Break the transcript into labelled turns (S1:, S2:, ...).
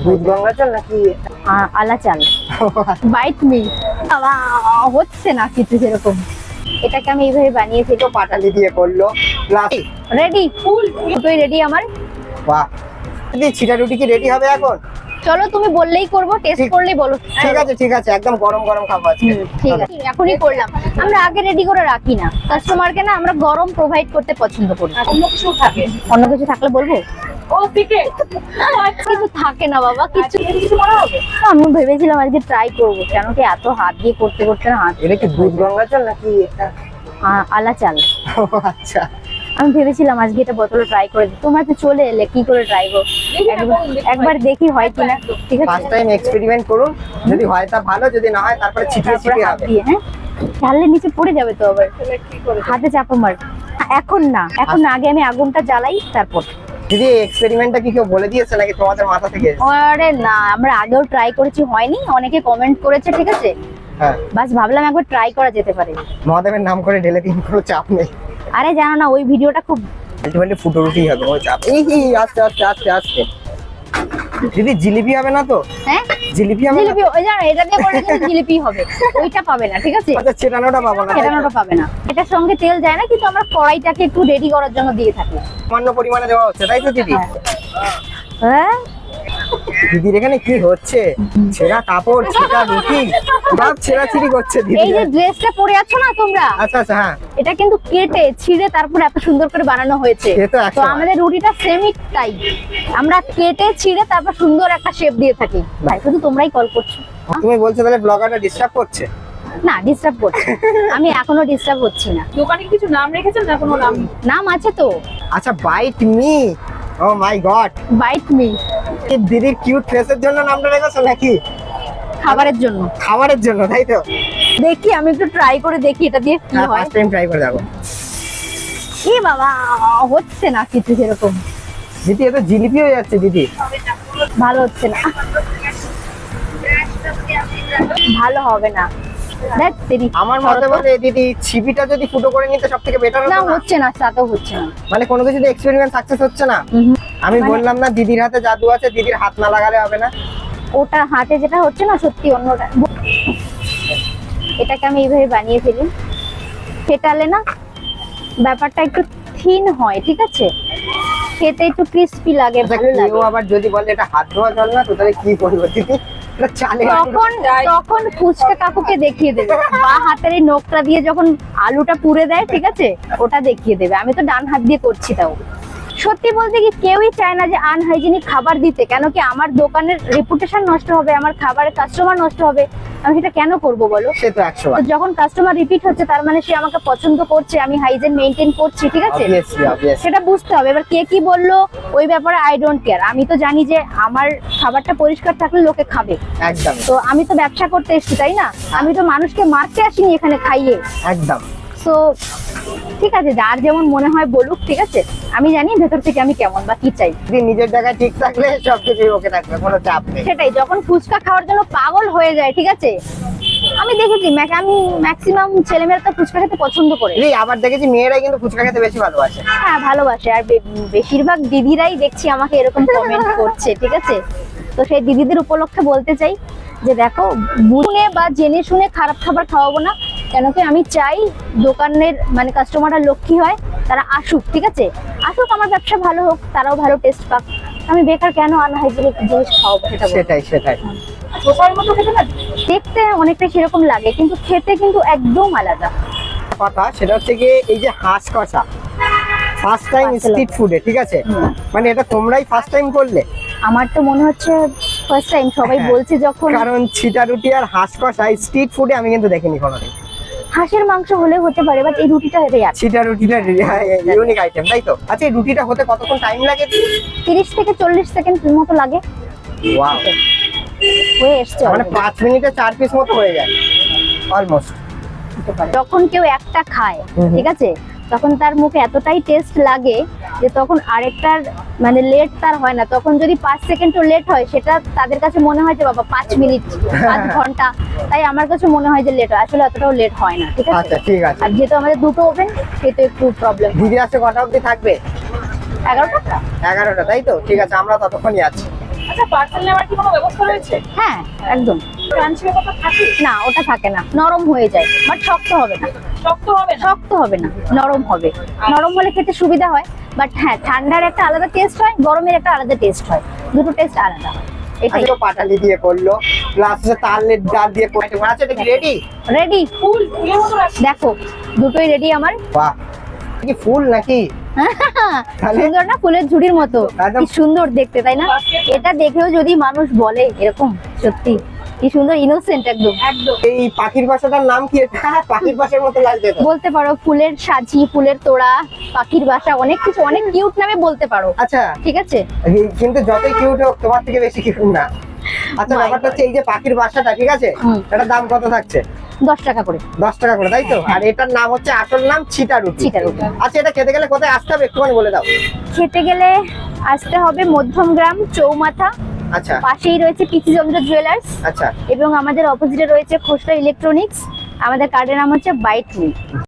S1: দুধ গঙ্গা চাল নাকি
S2: আলা চাল বাইট মি হচ্ছে না কিছু সেরকম। এটাকে আমি এইভাবে বানিয়েছি।
S1: তো পাটালি দিয়ে করলো প্লাস
S2: রেডি ফুল দুটোই রেডি আমার।
S1: বাহ, দিদি ছিটা রুটি কি রেডি হবে এখন?
S2: চলো তুমি বললেই করব, টেস্ট করলেই বলো।
S1: ঠিক আছে একদম গরম গরম খাবো আজকে।
S2: ঠিক আছে এখনই করলাম। আমরা আগে রেডি করে রাখি না, কাস্টমারকে না আমরা গরম প্রোভাইড করতে পছন্দ করি। অন্য কিছু থাকলে বলবো। কিছু থাকে না বাবা, কিছু মনে হবে। আমি ভেবেছিলাম আজকে ট্রাই করবো, কেন কি এত হাত দিয়ে করতে করতে না হাত।
S1: এটা কি দুধ গঙ্গা চাল নাকি এটা
S2: আলা চাল?
S1: আচ্ছা,
S2: আমি ভেবেছিলাম আজকে এটা বোতলে ট্রাই করে দিই। তোমরা তো চলে এলে, কি করে ট্রাই করবো একবার দেখি হয় কিনা। ঠিক আছে
S1: ফার্স্ট টাইম এক্সপেরিমেন্ট করুন, যদি হয় তা ভালো, যদি না হয় তারপরে ছিটিয়ে ছিটিয়ে
S2: হাত
S1: হবে।
S2: দিয়ে, হ্যাঁ ঢাললে নিচে পড়ে যাবে তো আবার। হাতে চাপা মার। এখন না, এখন না, আগে আমি আগুনটা জ্বালাই তারপর।
S1: দিদি এক্সপেরিমেন্টটা কি কেউ বলে দিয়েছে নাকি তোমাদের মাথা থেকে এসেছে?
S2: আরে না, আমরা আগেও ট্রাই করেছি, হয়নি, অনেকে কমেন্ট করেছে, ঠিক আছে।
S1: হ্যাঁ,
S2: বাস ভাবলাম একবার ট্রাই করা যেতে পারে।
S1: মহাদেবের নাম করে ঢেলে দিন, কোনো চাপ নেই।
S2: আরে জানো না, ওই ভিডিওটা খুব
S1: আলটিমেটলি ফুটো রুটি হবে, কোনো চাপ। আস্তে আস্তে আস্তে আস্তে। দিদি জিলিপি হবে না তো?
S2: হ্যাঁ
S1: জিলিপি হবে না?
S2: জিলিপি ওই জানো, এটা দিয়ে করলে কিন্তু জিলিপি হবে, ওইটা পাবে না, ঠিক আছে।
S1: আচ্ছা, চেটানোটা পাবো না?
S2: ফেরানোটা পাবে না। এটার সঙ্গে তেল যায় না, কিন্তু আমরা কড়াইটাকে একটু রেডি করার জন্য দিয়ে থাকি।
S1: সামান্য পরিমাণে দেওয়া হচ্ছে, তাই তো দিদি?
S2: হ্যাঁ
S1: দিদির এখানে কি হচ্ছে? ছেঁড়া কাপড়, ছেঁড়া রুটি, সব ছেঁড়াছিড়ি করছে দিদি।
S2: এই যে ড্রেসটা পরে আছো না তোমরা,
S1: আচ্ছা আচ্ছা, হ্যাঁ,
S2: এটা কিন্তু কেটে ছিঁড়ে তারপর এত সুন্দর করে বানানো হয়েছে।
S1: সে তো
S2: তো
S1: একদম।
S2: আমাদের রুটিটা সেমই তাই, আমরা কেটে ছিঁড়ে তারপর সুন্দর একটা শেপ দিয়ে থাকি। ভাই শুধু তোমরাই কল করছো।
S1: তুমি বলছো তাহলে ব্লগারটা ডিস্টার্ব করছে?
S2: না ডিস্টার্ব করছি, আমি এখনো ডিস্টার্ব হচ্ছি না।
S3: দোকানে কিছু নাম রেখেছেন না? কোনো নাম?
S2: নাম আছে তো,
S1: আচ্ছা, bite me. Oh my god,
S2: bite me.
S1: দিদির কিউট ফেসের জন্য নামটা রেখেছো নাকি?
S2: খাবারের জন্য,
S1: খাবারের জন্য, তাই তো?
S2: দেখি আমি একটু ট্রাই করে দেখি এটা দিয়ে কি
S1: হ্যাঁ,
S2: হয়।
S1: ফার্স্ট টাইম ট্রাই করে দেখো।
S2: এ বাবা, হচ্ছে না কিছু সেরকম,
S1: দিদি এ তো জিলিপি হয়ে যাচ্ছে দিদি।
S2: ভালো হচ্ছে না, ভালো হবে না। দেখ তেরি
S1: আমার মতে বলে দিদি ছিপিটা যদি ফুটো করে নিতে সব থেকে বেটার
S2: না,
S1: হতো না?
S2: হচ্ছে না, তাতেও হচ্ছে না।
S1: মানে কোনো কিছুতে এক্সপেরিমেন্ট সাকসেস হচ্ছে না। আমি বললাম না দিদির হাতে জাদু আছে, দিদির হাত না লাগালে হবে না।
S2: ওটা হাতে যেটা হচ্ছে না, সত্যি অন্যটা। এটাকে আমি এইভাবে বানিয়ে ফেলি, ফেটালে না ব্যাপারটা একটু থিন হয়, ঠিক আছে, খেতে একটু ক্রিস্পি লাগে, ভালো লাগে।
S1: কেউ আবার যদি বলে এটা হাত ধোয়া জল না, তো তাহলে কি করবো দিদি? এটা চালে
S2: তখন ফুচকা কাকুকে দেখিয়ে দেবে, বা হাতের এই নখটা দিয়ে যখন আলুটা পুড়ে দেয়, ঠিক আছে, ওটা দেখিয়ে দেবে। আমি তো ডান হাত দিয়ে করছি। তাও সত্যি বলতে কি কেউই চায় না যে আনহাইজেনিক খাবার দিতে, কেন কি আমার দোকানের রেপুটেশন নষ্ট হবে, আমার খাবারের কাস্টমার নষ্ট হবে। আমি সেটা কেন করব বলো?
S1: সে তো 100 বার।
S2: তো যখন কাস্টমার রিপিট হচ্ছে, তার মানে সে আমাকে পছন্দ করছে, আমি হাইজেন মেইনটেইন করছি, ঠিক আছে,
S1: Obviously, obviously.
S2: সেটা বুঝতে হবে। এবার কে কি বললো ওই ব্যাপারে আই ডোন্ট কেয়ার। আমি তো জানি যে আমার খাবারটা পরিষ্কার থাকলে লোকে খাবে।
S1: একদম
S2: তো আমি তো ব্যবসা করতে এসেছি, তাই না? আমি তো মানুষকে মারতে আসিনি এখানে খাইয়ে।
S1: একদম।
S2: তো ঠিক আছে, যার যেমন মনে হয় বলুক, ঠিক আছে। আমি জানি ভেতর থেকে আমি কেমন বা কি চাই।
S1: দিদি নিজের জায়গায় ঠিক থাকলে সবকিছু ওকে থাকবে, কোনো চাপ নেই।
S2: সেটাই, যখন ফুচকা খাওয়ার জন্য পাগল হয়ে যায়, ঠিক আছে, আমি দেখেছি আমি ম্যাক্সিমাম ছেলেমেয়েরা তো ফুচকা খেতে পছন্দ করে।
S1: দিদি আবার দেখেছি মেয়েরাই কিন্তু ফুচকা খেতে বেশি ভালোবাসে।
S2: হ্যাঁ ভালোবাসে, আর বেশিরভাগ দিদিরাই দেখছি আমাকে এরকম কমেন্ট করছে, ঠিক আছে। তো সেই দিদিদের উপলক্ষে বলতে চাই যে দেখো, বুঝে বা জেনে শুনে খারাপ খাবার খাওয়াবো না, কেন কি আমি চাই দোকানের মানে কাস্টমাররা লক্ষ্মী হয়, তারা আসুক, ঠিক আছে, আসুক, আমার ব্যবসা ভালো হোক, তারাও ভালো টেস্ট পাক। আমি বেকার কেন আনহাইজেনিক জিনিস খাওয়াবো?
S1: সেটাই সেটাই।
S3: ধোসার মতো খেতে না?
S2: দেখতে অনেকটা সেরকম লাগে, কিন্তু খেতে কিন্তু একদম আলাদা
S1: কথা সেটা হচ্ছে কি, এই যে হাঁস কষা ফার্স্ট টাইম স্ট্রিট ফুডে, ঠিক আছে, মানে এটা তোমরাই ফার্স্ট টাইম করলে?
S2: আমার তো মনে হচ্ছে ফার্স্ট টাইম। সবাই
S1: হ্যাঁ,
S2: বলছে যখন,
S1: কারণ ছিটা রুটি আর হাঁস কষা স্ট্রিট ফুডে আমি কিন্তু দেখিনি কোনোদিন।
S2: হাঁসের মাংস হলে হতে পারে, বাট এই রুটিটা হেঁটে যাচ্ছে।
S1: ছিটা রুটিটা ইউনিক আইটেম, তাই তো? আচ্ছা, এই রুটিটা হতে কতক্ষণ টাইম লাগে?
S2: 30 থেকে 40 সেকেন্ড মতো লাগে।
S1: ওয়াও,
S2: হয়ে এসছে
S1: মানে 5 মিনিটে 4 পিস মতো হয়ে যায় অলমোস্ট।
S2: যখন কেউ একটা খায়, ঠিক আছে, তখন তার মুখে এতটাই টেস্ট লাগে যে তখন আরেকটার মানে লেট তার হয় না। তখন যদি 5 সেকেন্ডও লেট হয়, সেটা তাদের কাছে মনে হয় যে বাবা 5 মিনিট 5 ঘন্টা। তাই আমার কাছে মনে হয় যে লেট হয়, আসলে অতটাও লেট হয় না, ঠিক আছে।
S1: আচ্ছা ঠিক আছে।
S2: আর যেহেতু আমাদের দুটো ওভেন, সেটা একটু প্রবলেম।
S1: দিদি আসতে কটা অবধি থাকবে?
S2: 11টা।
S1: 11টা, তাই তো? ঠিক আছে, আমরা ততক্ষণই আছি।
S3: আচ্ছা পার্সেল নেওয়ার কি কোনো ব্যবস্থা রয়েছে?
S2: হ্যাঁ একদম।
S3: ক্রাঞ্চি ব্যাপারটা থাকে?
S2: না ওটা থাকে না, নরম হয়ে যায়, বাট শক্ত হবে না।
S3: শক্ত হবে না?
S2: শক্ত হবে না, নরম হবে। নরম হলে খেতে সুবিধা হয়, বাট হ্যাঁ ঠান্ডার একটা আলাদা টেস্ট হয়, গরমের একটা আলাদা টেস্ট হয়, দুটো টেস্ট আলাদা হয়। এটাই
S1: আজকে পাটালি দিয়ে করলো, প্লাস তালের ডাল দিয়ে করতে আছে। এটা কি রেডি?
S2: রেডি।
S3: ফুলের মতো লাগছে।
S2: দেখো দুটোই রেডি আমার।
S1: বাহ, এটা কি ফুল নাকি? তাহলে?
S2: সুন্দর না, ফুলের ঝুড়ির মতো,
S1: একদম।
S2: কি সুন্দর দেখতে, তাই না? এটা দেখেও যদি মানুষ বলে এরকম, সত্যি কি সুন্দর, ইনোসেন্ট একদম।
S3: একদম।
S1: এই পাখির বাসাটার নাম কি? এটা পাখির বাসার মতো লাগছে তো।
S2: বলতে পারো ফুলের সাজি, ফুলের তোড়া, পাখির বাসা, অনেক কিছু, অনেক কিউট নামে বলতে পারো।
S1: আচ্ছা,
S2: ঠিক আছে।
S1: কিন্তু যতই কিউট হোক তোমার থেকে বেশি কিউট না। আচ্ছা,
S2: My
S1: ব্যাপারটা হচ্ছে এই যে পাখির বাসাটা, ঠিক আছে,
S2: হুম।
S1: এটার দাম কত থাকছে?
S2: 10 টাকা করে।
S1: 10 টাকা করে, তাই তো? আর এটার নাম হচ্ছে, আসল নাম ছিটা রুটি।
S2: ছিটা রুটি।
S1: আচ্ছা, এটা খেতে গেলে কোথায় আসতে হবে একটুখানি বলে দাও।
S2: খেতে গেলে আসতে হবে মধ্যমগ্রাম চৌমাথা,
S1: আচ্ছা
S2: পাশেই রয়েছে পিসিচন্দ্র জুয়েলার্স,
S1: আচ্ছা।
S2: এবং আমাদের অপোজিটে রয়েছে খোসলা ইলেকট্রনিক্স। আমাদের কার্ডের নাম হচ্ছে বাইট মি।